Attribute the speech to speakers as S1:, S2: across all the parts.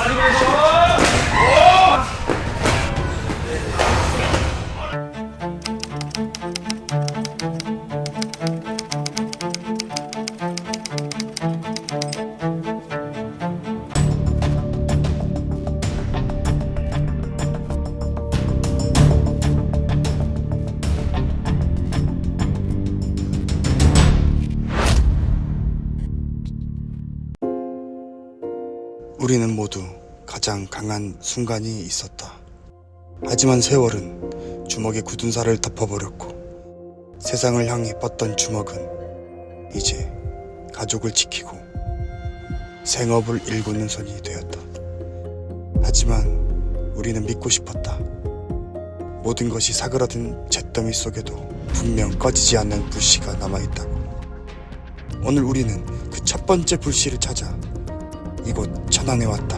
S1: 우리는 모두 가장 강한 순간이 있었다. 하지만 세월은 주먹에 굳은 살을 덮어버렸고 세상을 향해 뻗던 주먹은 이제 가족을 지키고 생업을 일구는 손이 되었다. 하지만 우리는 믿고 싶었다. 모든 것이 사그라든 잿더미 속에도 분명 꺼지지 않는 불씨가 남아있다고. 오늘 우리는 그 첫 번째 불씨를 찾아 이곳 천안에 왔다.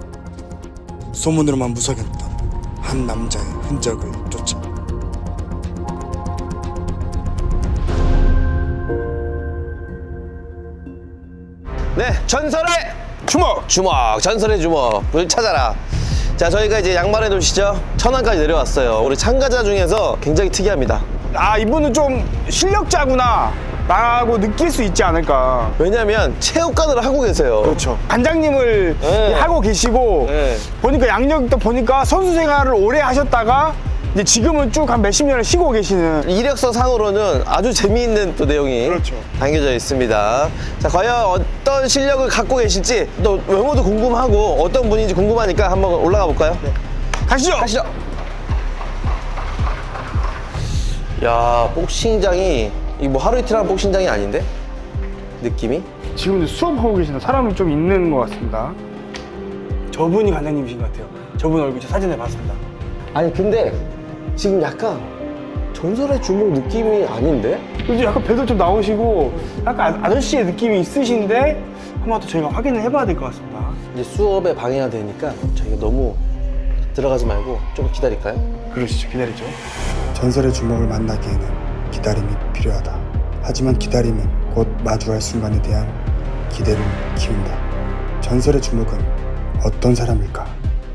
S1: 소문으로만 무성했던 한 남자의 흔적을 쫓아.
S2: 네, 전설의 주먹! 전설의 주먹을 찾아라. 자, 저희가 이제 양말의 도시죠. 천안까지 내려왔어요. 우리 참가자 중에서 굉장히 특이합니다.
S3: 아, 이분은 좀 실력자구나 라고 느낄 수 있지 않을까.
S2: 왜냐면 체육관을 하고 계세요.
S3: 그렇죠. 관장님을
S2: 네.
S3: 하고 계시고
S2: 네.
S3: 보니까 양력도 보니까 선수 생활을 오래 하셨다가 이제 지금은 쭉 한 몇십 년을 쉬고 계시는.
S2: 이력서 상으로는 아주 재미있는 또 내용이
S3: 그렇죠.
S2: 담겨져 있습니다. 자, 과연 어떤 실력을 갖고 계실지 또 외모도 궁금하고 어떤 분인지 궁금하니까 한번 올라가 볼까요? 네.
S3: 가시죠.
S2: 가시죠. 야, 복싱장이 이거 뭐 하루 이틀 한 복싱장이 아닌데? 느낌이?
S3: 지금 수업하고 계시는 사람이 좀 있는 것 같습니다. 저분이 관장님이신 것 같아요. 저분 얼굴 저 사진에 봤습니다.
S2: 아니 근데 지금 약간 전설의 주먹 느낌이 아닌데?
S3: 요즘 약간 배도 좀 나오시고 약간 아저씨의 느낌이 있으신데 한번 또 저희가 확인을 해봐야 될 것 같습니다.
S2: 이제 수업에 방해가 되니까 저희가 너무 들어가지 말고 좀 기다릴까요?
S3: 그러시죠. 기다리죠.
S1: 전설의 주먹을 만나기에는 기다림이 필요하다. 하지만 기다림은 곧 마주할 순간에 대한 기대를 키운다. 전설의 주먹은 어떤 사람일까?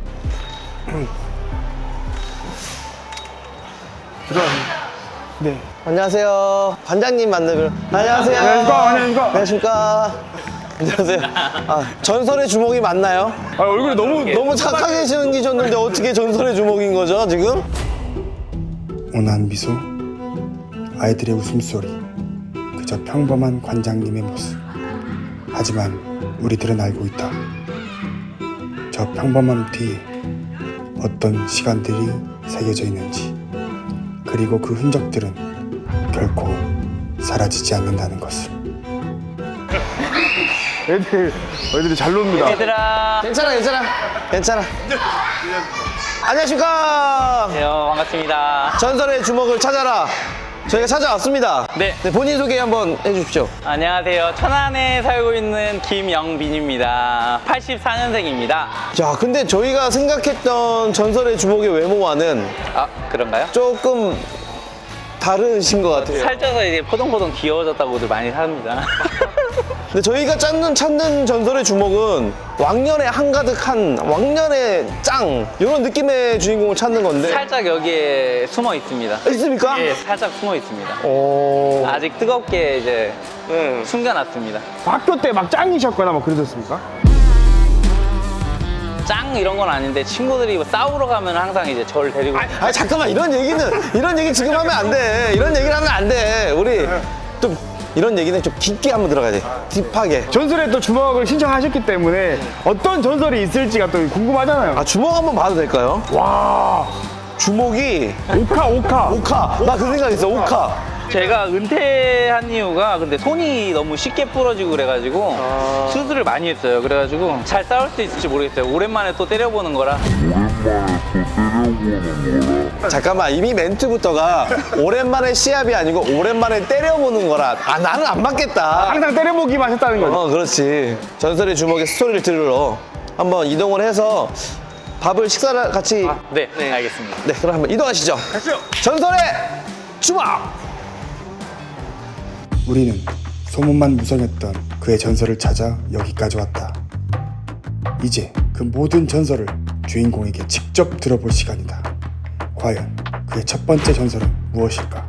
S3: 들어갑니다. 네.
S2: 안녕하세요. 관장님 만나뵈러. 안녕하세요.
S3: 안녕하십니까.
S2: 안녕하십니까. 안녕하세요. 아, 전설의 주먹이 맞나요?
S3: 아, 얼굴이
S2: 너무 착하게 생기셨는데 어떻게 전설의 주먹인 거죠, 지금?
S1: 온화한 미소, 아이들의 웃음소리, 그저 평범한 관장님의 모습. 하지만 우리들은 알고 있다. 저 평범함 뒤에 어떤 시간들이 새겨져 있는지, 그리고 그 흔적들은 결코 사라지지 않는다는 것을.
S3: 애들이 잘 놉니다.
S4: 얘들아.
S2: 괜찮아. 안녕하십니까.
S4: 안녕하세요. 반갑습니다.
S2: 전설의 주먹을 찾아라. 저희가 찾아왔습니다.
S4: 네.
S2: 본인 소개 한번 해주십시오.
S4: 안녕하세요. 천안에 살고 있는 김영빈입니다. 84년생입니다.
S2: 자, 근데 저희가 생각했던 전설의 주먹의 외모와는
S4: 아, 그런가요?
S2: 조금 다르신 것 같아요.
S4: 살쪄서 이제 포동포동 귀여워졌다고들 많이 합니다.
S2: 근데 저희가 찾는 전설의 주먹은 왕년에 한가득한 왕년의 짱 이런 느낌의 주인공을 찾는 건데
S4: 살짝 여기에 숨어 있습니다.
S2: 있습니까?
S4: 예, 살짝 숨어 있습니다.
S2: 오.
S4: 아직 뜨겁게 이제 숨겨놨습니다.
S3: 학교 때 막 짱이셨거나 막 그러셨습니까?
S4: 짱 이런 건 아닌데 친구들이 뭐 싸우러 가면 항상 이제 저를 데리고
S2: 아 잠깐만 이런 얘기 지금 하면 안 돼. 이런 얘기를 하면 안 돼. 우리 좀 이런 얘기는 좀 깊게 한번 들어가야지. 딥하게.
S3: 전설의 또 주먹을 신청하셨기 때문에 어떤 전설이 있을지가 또 궁금하잖아요.
S2: 아 주먹 한번 봐도 될까요?
S3: 와,
S2: 주먹이
S3: 오카.
S2: 나 그 생각했어. 오카.
S4: 제가 은퇴한 이유가 근데 손이 너무 쉽게 부러지고 그래가지고 수술을 많이 했어요. 그래가지고 잘 싸울 수 있을지 모르겠어요. 오랜만에 또 때려보는 거라.
S2: 잠깐만 이미 멘트부터가 오랜만에 시합이 아니고 오랜만에 때려보는 거라. 아 나는 안 맞겠다.
S3: 항상 때려보기만 했다는 거죠.
S2: 그렇지. 전설의 주먹의 스토리를 들으러 한번 이동을 해서 밥을 식사를 같이.
S4: 네, 알겠습니다.
S2: 네, 그럼 한번 이동하시죠.
S3: 가시죠.
S2: 전설의 주먹.
S1: 우리는 소문만 무성했던 그의 전설을 찾아 여기까지 왔다. 이제 그 모든 전설을 주인공에게 직접 들어볼 시간이다. 과연 그의 첫 번째 전설은 무엇일까?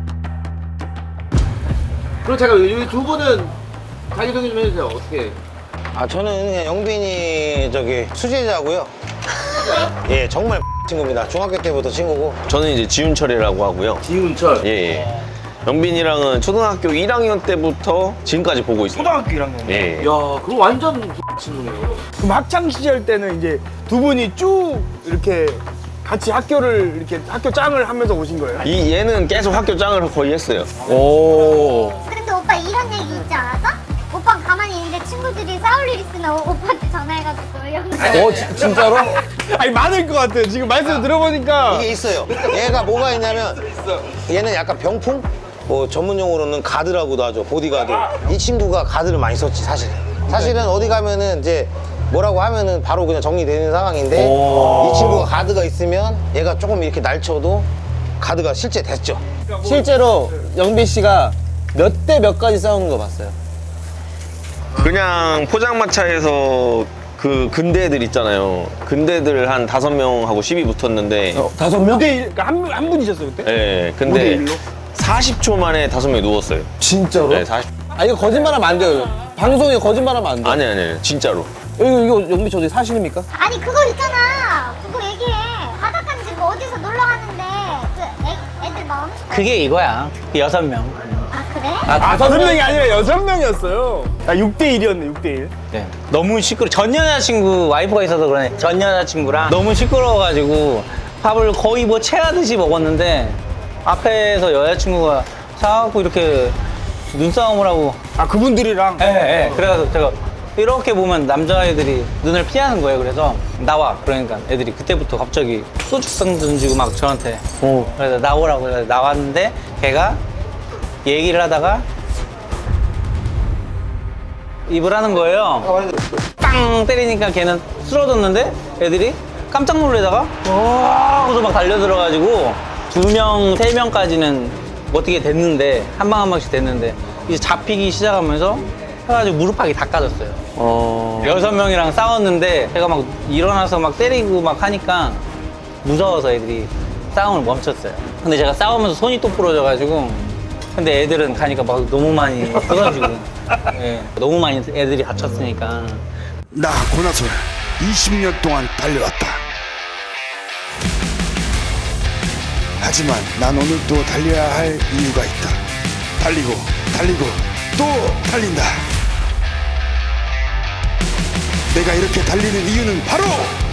S2: 그럼 제가 이 두 분은 자기소개 좀 해주세요. 어떻게?
S5: 아 저는 그냥 영빈이 저기 수제자고요. 예 정말 친구입니다. 중학교 때부터 친구고.
S2: 저는 이제 지훈철이라고 하고요.
S5: 지훈철.
S2: 예, 예. 영빈이랑은 초등학교 1학년 때부터 지금까지 보고 있어요.
S3: 초등학교 1학년.
S2: 예.
S5: 야 그럼 완전 친구네요.
S3: 그럼 학창 시절 때는 이제 두 분이 쭉 이렇게 같이 학교를 이렇게 학교 짱을 하면서 오신 거예요?
S2: 얘는 계속 학교 짱을 거의 했어요.
S6: 근데 오빠 이런 얘기 있지 않았어? 오빠 가만히 있는데 친구들이 싸울 일 있으면 오빠한테 전화해가지고
S5: 진짜로?
S3: 아니 많을 것 같아요. 지금 말씀 들어보니까
S5: 이게 있어요. 얘가 뭐가 있냐면 얘는 약간 병풍? 뭐 전문용어로는 가드라고도 하죠. 보디가드. 이 친구가 가드를 많이 썼지 사실은. 사실은 어디 가면은 이제 뭐라고 하면은 바로 그냥 정리되는 상황인데 이 친구가 가드가 있으면 얘가 조금 이렇게 날쳐도 가드가 실제 됐죠.
S7: 실제로 영빈 씨가 몇 대 몇 가지 싸우는 거 봤어요.
S2: 그냥 포장마차에서 그 근대들 있잖아요. 근대들 한 5명하고 시비 붙었는데
S3: 5명? 5대1, 그러니까 한 분이셨어요 그때?
S2: 예, 근데
S3: 5대1로?
S2: 40초 만에 5명이 누웠어요.
S7: 진짜로?
S2: 네, 40.
S7: 아 이거 거짓말하면 안 돼요. 방송에 거짓말하면 안 돼.
S2: 아니, 진짜로.
S7: 이거 영빈 씨 어디 사실입니까?
S6: 아니 그거 있잖아 그거 얘기해 바닷가인지 그 어디서 놀러 갔는데 그 애들 마음
S4: 그게 이거야. 6명.
S6: 아 그래?
S3: 아 5명이 아니라 6명이었어요. 아 6대1이었네 6대1.
S4: 네. 너무 전 여자친구 와이프가 있어서 그러네. 전 여자친구랑 너무 시끄러워가지고 밥을 거의 뭐 체하듯이 먹었는데 앞에서 여자친구가 사갖고 이렇게 눈싸움을 하고
S3: 아 그분들이랑?
S4: 예. 그래서 제가 이렇게 보면 남자애들이 눈을 피하는 거예요. 그래서 나와. 그러니까 애들이 그때부터 갑자기 소주병 던지고 막 저한테. 그래서 나오라고 해서 나왔는데 걔가 얘기를 하다가 입을 하는 거예요. 빵 때리니까 걔는 쓰러졌는데 애들이 깜짝 놀래다가 와 하고서 막 달려들어가지고 2명, 3명까지는 어떻게 됐는데 한 방 한 방씩 됐는데 이제 잡히기 시작하면서 해가지고 무릎팍이 다 까졌어요. 6명이랑 싸웠는데 제가 막 일어나서 막 때리고 막 하니까 무서워서 애들이 싸움을 멈췄어요. 근데 제가 싸우면서 손이 또 부러져가지고 근데 애들은 가니까 막 너무 많이 부서지고 예, 너무 많이 애들이 다쳤으니까
S1: 나 고나솔 20년 동안 달려왔다. 하지만 난 오늘도 달려야 할 이유가 있다. 달리고 또 달린다. 내가 이렇게 달리는 이유는 바로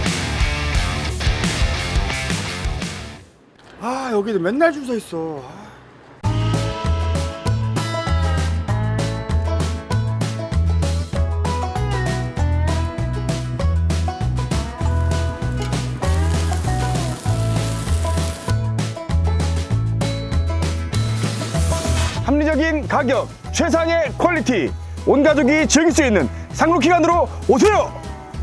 S3: 아 여기는 맨날 줄 서 있어. 합리적인 가격, 최상의 퀄리티, 온 가족이 즐길 수 있는 상록기관으로 오세요!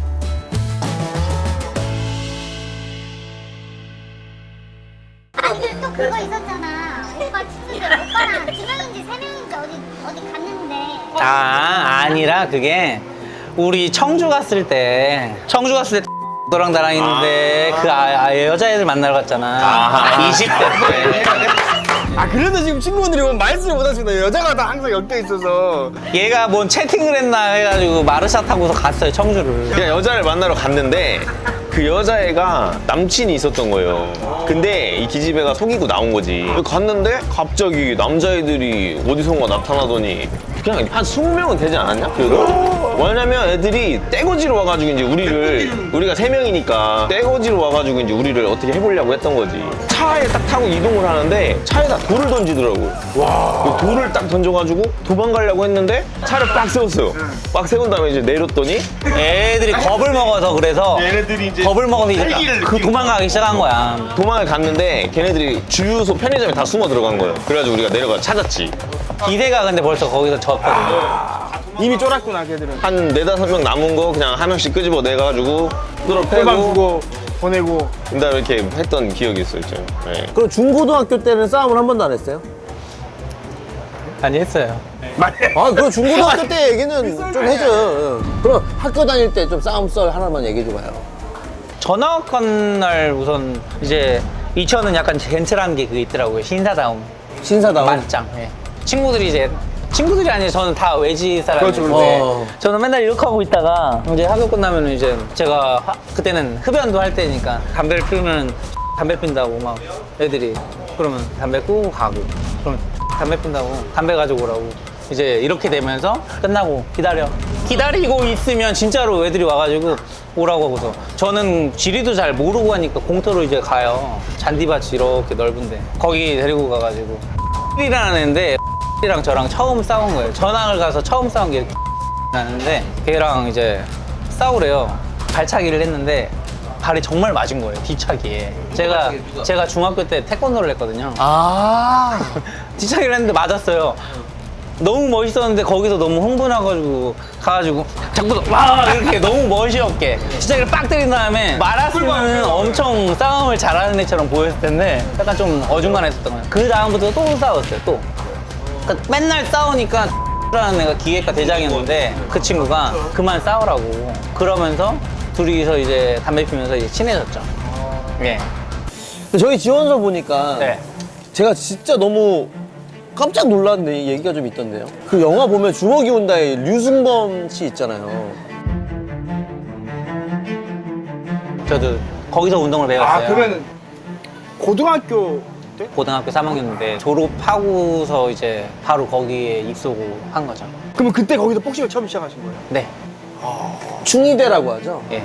S6: 아니 또 그거 있었잖아 오빠 친구들 오빠랑 2명인지 3명인지 어디 갔는데
S4: 아니라 그게 우리 청주 갔을 때 너랑 나랑 있는데 그 여자애들 만나러 갔잖아 20대 때
S3: 아 그래도 지금 친구분들이 오면 말씀을 못 하십니다. 여자가 다 항상 엮여 있어서.
S4: 얘가 뭔 채팅을 했나 해가지고 마르샤 타고서 갔어요 청주를.
S2: 그냥 여자를 만나러 갔는데 그 여자애가 남친이 있었던 거예요. 근데 이 기집애가 속이고 나온 거지. 갔는데 갑자기 남자애들이 어디선가 나타나더니 그냥 한 20명은 되지 않았냐? 그래도? 왜냐면 애들이 떼거지로 와가지고 이제 우리가 3명이니까 떼거지로 와가지고 이제 우리를 어떻게 해보려고 했던 거지. 차에 딱 타고 이동을 하는데 차에다 돌을 던지더라고. 와. 돌을 딱 던져가지고 도망가려고 했는데 차를 빡 세웠어요. 빡 세운 다음에 이제 내렸더니
S4: 애들이 겁을 먹어서 그래서 얘네들이 이제 겁을 먹어서 이제 그 도망가기 시작한 거야.
S2: 도망을 갔는데 걔네들이 주유소 편의점에 다 숨어 들어간 거예요. 그래가지고 우리가 내려가 찾았지.
S4: 기대가 근데 벌써 거기서 졌거든요.
S3: 이미 쫄았구나 걔들은.
S2: 한 4-5명 남은 거 그냥 한 명씩 끄집어 내가지고 뚫어
S3: 꿀밤
S2: 패고
S3: 주고 보내고.
S2: 그다음에 이렇게 했던 기억이 있어요. 네.
S7: 그럼 중고등학교 때는 싸움을 한 번도 안 했어요?
S4: 많이 했어요.
S7: 아, 그럼 중고등학교 때 얘기는 좀 해줘. 그럼 학교 다닐 때 좀 싸움 썰 하나만 얘기해줘봐요.
S4: 전학한 날 우선 이제 이천은 약간 젠틀한 게 그게 있더라고요. 신사다움.
S7: 신사다운.
S4: 맞짱. 예. 친구들이 아니에요. 저는 다 외지 사람인데
S7: 그렇죠.
S4: 저는 맨날 이렇게 하고 있다가 이제 학교 끝나면 이제 제가 그때는 흡연도 할 때니까 담배를 피우면 담배 핀다고 막 애들이 그러면 담배 끄고 가고 그러면 담배 핀다고 담배 가지고 오라고 이제 이렇게 되면서 끝나고 기다리고 있으면 진짜로 애들이 와가지고 오라고 하고서 저는 지리도 잘 모르고 하니까 공터로 이제 가요. 잔디밭이 이렇게 넓은데 거기 데리고 가가지고 이라는 애인데 이랑 저랑 처음 싸운 거예요. 전학을 가서 처음 싸운 게 나는데 걔랑 이제 싸우래요. 발차기를 했는데 발이 정말 맞은 거예요. 뒤차기에. 제가 중학교 때 태권도를 했거든요.
S7: 아.
S4: 뒤차기를 했는데 맞았어요. 너무 멋있었는데 거기서 너무 흥분해가지고 가가지고 자꾸 와 이렇게 너무 멋있게 뒤차기를 빡 때린 다음에 말았으면 엄청 싸움을 잘하는 애처럼 보였을 텐데 약간 좀 어중간했었던 거예요. 그 다음부터 또 싸웠어요. 또 그러니까 맨날 싸우니까 라는 애가 기획과 대장이었는데 그 친구가 그만 싸우라고 그러면서 둘이서 이제 담배 피면서 이제 친해졌죠. 예.
S7: 저희 지원서 보니까
S4: 네.
S7: 제가 진짜 너무 깜짝 놀랐는데 얘기가 좀 있던데요. 그 영화 보면 주먹이 온다에 류승범 씨 있잖아요.
S4: 저도 거기서 운동을 배웠어요.
S3: 아 그러면 고등학교 때?
S4: 고등학교 3학년인데 졸업하고서 이제 바로 거기에 입소고 한 거죠.
S3: 그러면 그때 거기서 복싱을 처음 시작하신 거예요?
S4: 네.
S7: 충의대라고 하죠.
S4: 예.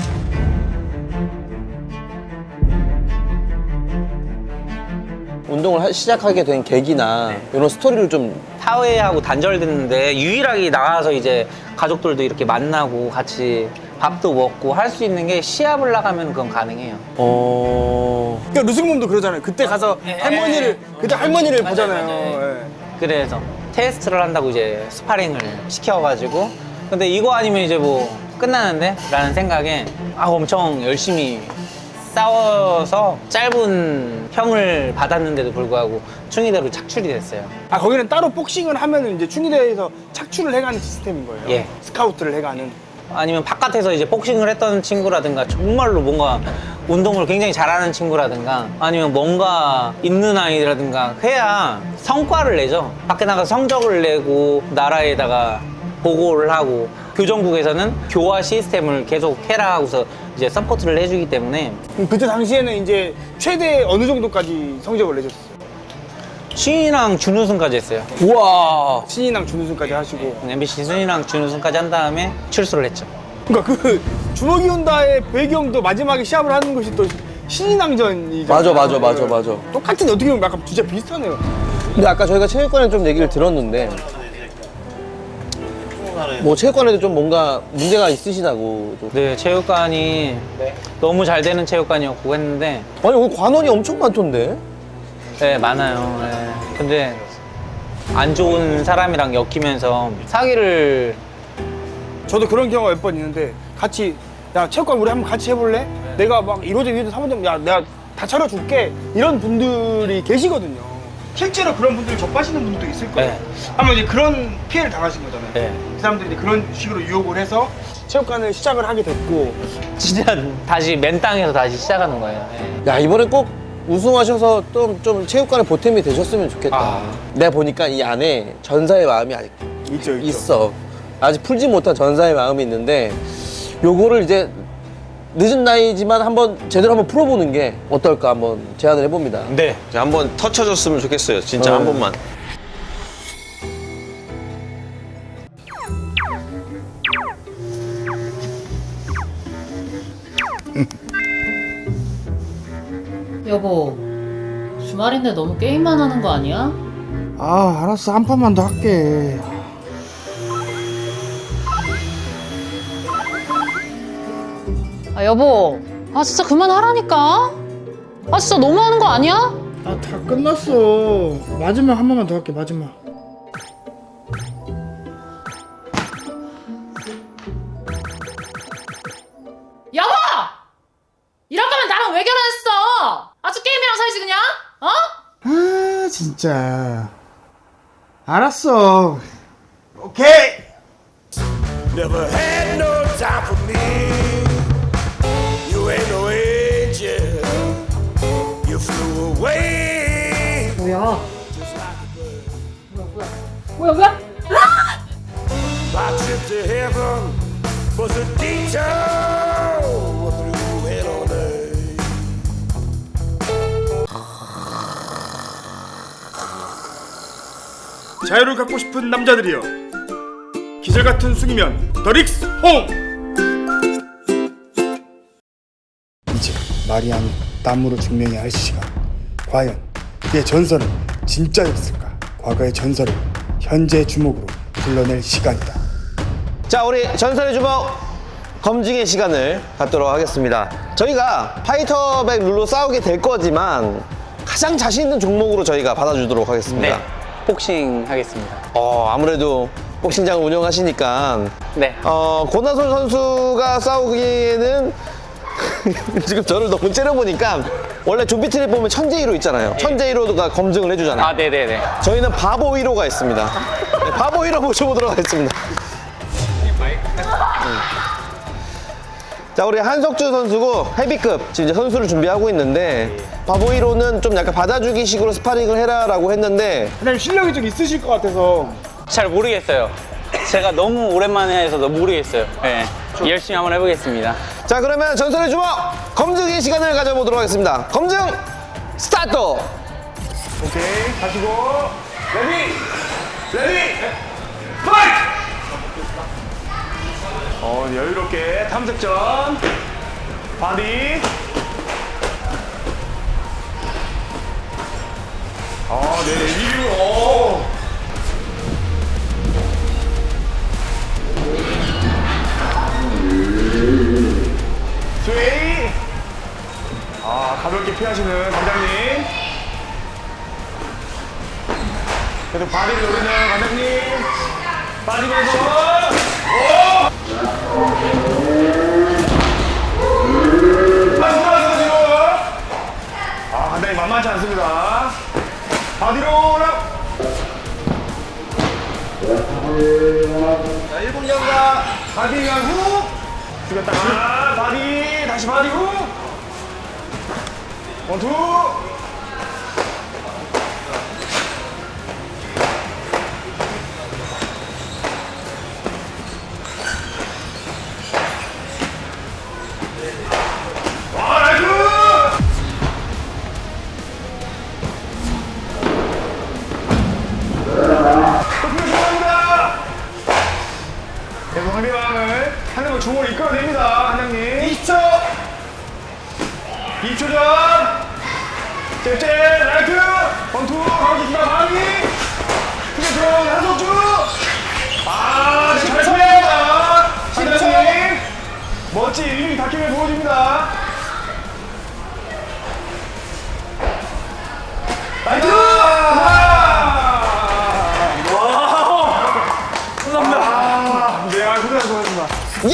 S7: 운동을 시작하게 된 계기나 이런 스토리를 좀.
S4: 사회하고 단절됐는데 유일하게 나가서 이제 가족들도 이렇게 만나고 같이 밥도 먹고 할 수 있는 게 시합을 나가면 그건 가능해요.
S3: 그러니까 루승mom도 그러잖아요. 그때 가서 할머니를 그때 할머니를
S4: 맞아요,
S3: 보잖아요.
S4: 맞아요.
S3: 예.
S4: 그래서 테스트를 한다고 이제 스파링을 시켜가지고 근데 이거 아니면 이제 뭐 끝나는데? 라는 생각에 엄청 열심히 싸워서 짧은 평을 받았는데도 불구하고 충의대로 착출이 됐어요.
S3: 아 거기는 따로 복싱을 하면은 이제 충의대에서 착출을 해가는 시스템인 거예요.
S4: 예.
S3: 스카우트를 해가는.
S4: 아니면 바깥에서 이제 복싱을 했던 친구라든가 정말로 뭔가 운동을 굉장히 잘하는 친구라든가 아니면 뭔가 있는 아이라든가 해야 성과를 내죠. 밖에 나가서 성적을 내고 나라에다가 보고를 하고 교정국에서는 교화 시스템을 계속 해라 하고서 이제 서포트를 해주기 때문에
S3: 그때 당시에는 이제 최대 어느 정도까지 성적을 내셨어요?
S4: 신인왕 준우승까지 했어요.
S7: 우와.
S3: 신인왕 준우승까지 하시고.
S4: MBC 신인왕 준우승까지 한 다음에 출소를 했죠.
S3: 그러니까 그 주먹이 온다의 배경도 마지막에 시합을 하는 것이 또 신인왕전이잖아요.
S7: 맞아.
S3: 똑같은 어떻게 보면 약간 진짜 비슷하네요.
S7: 근데 아까 저희가 체육관에 좀 얘기를 들었는데 뭐 체육관에도 좀 뭔가 문제가 있으시다고.
S4: 네, 체육관이 너무 잘 되는 체육관이었고 했는데
S7: 아니 오늘 관원이 엄청 많던데.
S4: 네, 많아요. 네. 근데 안 좋은 사람이랑 엮이면서 사기를
S3: 저도 그런 경우가 몇 번 있는데 같이 야 체육관 우리 한번 같이 해볼래? 내가 막 1호점 2호점 3호점 야 내가 다 차려줄게 이런 분들이 계시거든요. 실제로 그런 분들 접하시는 분들도 있을 거예요.
S4: 네.
S3: 아마 이제 그런 피해를 당하신 거잖아요.
S4: 네.
S3: 그 사람들이 이제 그런 식으로 유혹을 해서 체육관을 시작을 하게 됐고
S4: 진짜 다시 맨 땅에서 다시 시작하는 거예요. 네.
S7: 야 이번에 꼭 우승하셔서 좀 체육관에 보탬이 되셨으면 좋겠다. 내가 보니까 이 안에 전사의 마음이 아직
S3: 있죠.
S7: 있어. 아직 풀지 못한 전사의 마음이 있는데 요거를 이제 늦은 나이지만 제대로 한번 풀어보는 게 어떨까 한번 제안을 해봅니다.
S2: 네. 한번 터쳐줬으면 좋겠어요. 진짜 한 번만.
S8: 여보, 주말인데 너무 게임만 하는 거 아니야?
S3: 아 알았어 한 판만 더 할게.
S8: 아, 여보. 아, 진짜 그만하라니까? 아, 진짜 너무하는 거 아니야?
S3: 아 다 끝났어. 마지막 한 번만 더 할게 마지막.
S8: 여보! 이럴 거면 나랑 왜 결혼했어? 아주 게임이랑 살지 그냥? 어?
S3: 아 진짜. 알았어. 오케이.
S9: Never had no time for me. You ain't no angel. You flew away.
S8: 뭐야?
S9: My trip to heaven was a detour through hell on earth.
S3: 자유를 갖고 싶은 남자들이여. 기절 같은 숙이면 더 릭스 홈.
S1: 이제 말이 아닌 땀으로 증명해야 할 시간. 과연 그의 전설은 진짜였을까? 과거의 전설을 현재의 주목으로 불러낼 시간이다.
S5: 자, 우리 전설의 주먹 검증의 시간을 갖도록 하겠습니다. 저희가 파이터백 룰로 싸우게 될 거지만 가장 자신 있는 종목으로 저희가 받아주도록 하겠습니다.
S4: 네. 복싱 하겠습니다.
S5: 아무래도 복싱장을 운영하시니까
S4: 네.
S5: 고나솔 선수가 싸우기에는 지금 저를 너무 째려보니까 원래 좀비트를 보면 천재 1호 있잖아요. 천재 1호가 검증을 해주잖아요.
S4: 아, 네네네.
S5: 저희는 바보 1호가 있습니다. 네, 바보 1호 모셔보도록 하겠습니다. 자, 우리 한석주 선수고 헤비급 지금 이제 선수를 준비하고 있는데 바보 1호는 좀 약간 받아주기 식으로 스파링을 해라라고 했는데
S3: 그냥 실력이 좀 있으실 것 같아서.
S4: 잘 모르겠어요. 제가 너무 오랜만에 해서 너무 모르겠어요. 네. 열심히 한번 해보겠습니다.
S5: 자, 그러면 전설의 주먹 검증의 시간을 가져보도록 하겠습니다. 검증 스타트!
S3: 오케이. 가시고. 레디. 파이트. 여유롭게 탐색전. 바디. 네, 리뷰. 스웨이. 가볍게 피하시는 관장님. 그래도 바디를 노리는 관장님. 빠지면서. 빠지면서 뒤로. 관장님 만만치 않습니다. 바디로 라. 자, 1분 경과. 바디 간 후. 죽였다가 바디 다시 바디 후. 원투. 나이스. 또 필요합니다. 계속 상대방을 하는 걸 주먹을 이끌어냅니다, 한장님. 20초! 2초 전! 잽잽, 라이트! 원투, 가운데 바위! 크게 들어온 한석주! 잘 참여합니다! 한장님! 멋진 일미 다킴을 보여줍니다. 라이트! 고생하셨습니다.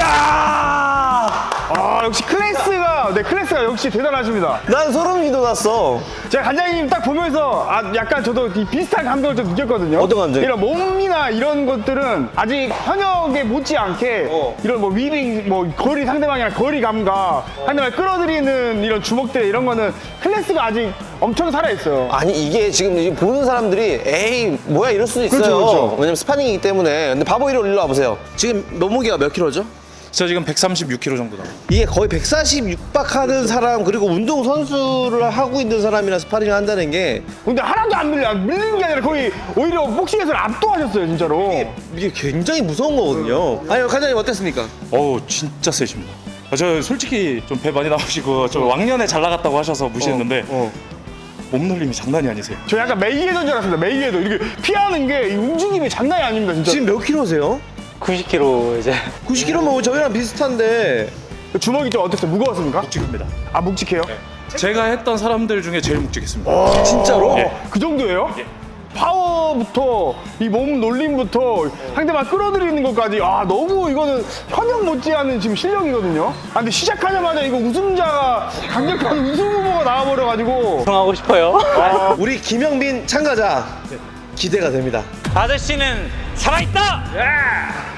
S5: 야!
S3: 역시 클래스가 역시 대단하십니다.
S5: 난 소름이 돋았어.
S3: 제가 관장님 딱 보면서 약간 저도 이 비슷한 감정을 좀 느꼈거든요.
S5: 어떤 감정?
S3: 이런 몸이나 이런 것들은 아직 현역에 못지않게 이런 뭐 위빙, 뭐 거리 상대방이랑 거리 감각, 상대방을 끌어들이는 이런 주먹들 이런 거는 클래스가 아직 엄청 살아있어요.
S5: 아니, 이게 지금 보는 사람들이 에이 뭐야 이럴 수도 있어요.
S3: 그렇죠.
S5: 왜냐면 스파링이기 때문에. 근데 바보 1호 일로 와보세요. 지금 몸무게가 몇 킬로죠?
S10: 저 지금 136kg 정도 나와요.
S5: 이게 거의 140 육박하는 사람, 그리고 운동 선수를 하고 있는 사람이랑 스파링을 한다는 게
S3: 근데 하나도 안 밀리는 게 아니라 거의 오히려 복싱에서 압도하셨어요, 진짜로.
S5: 이게 굉장히 무서운 거거든요. 아니, 관장님 어땠습니까?
S10: 어우, 진짜 세십니다. 저 솔직히 좀 배 많이 나오시고 저 왕년에 잘 나갔다고 하셔서 무시했는데 몸놀림이 장난이 아니세요.
S3: 저 약간 메이웨더인 줄 알았습니다. 메이웨더. 이렇게 피하는 게 이 움직임이 장난이 아닙니다, 진짜.
S5: 지금 몇 킬로세요?
S4: 90kg 이제.
S5: 90킬로면 저희랑 비슷한데.
S3: 주먹이 좀 어땠어요? 무거웠습니까?
S10: 묵직합니다.
S3: 아, 묵직해요?
S10: 제가 했던 사람들 중에 제일 묵직했습니다.
S5: 진짜로?
S10: 예.
S3: 그 정도예요? 파워부터 이 몸 놀림부터 상대방 끌어들이는 것까지 너무 이거는 현역 못지않은 지금 실력이거든요. 근데 시작하자마자 이거 우승자가 강력한 우승 후보가 나와버려가지고
S4: 하고 싶어요.
S5: 우리 김영빈 참가자 기대가 됩니다.
S4: 아저씨는 살아있다!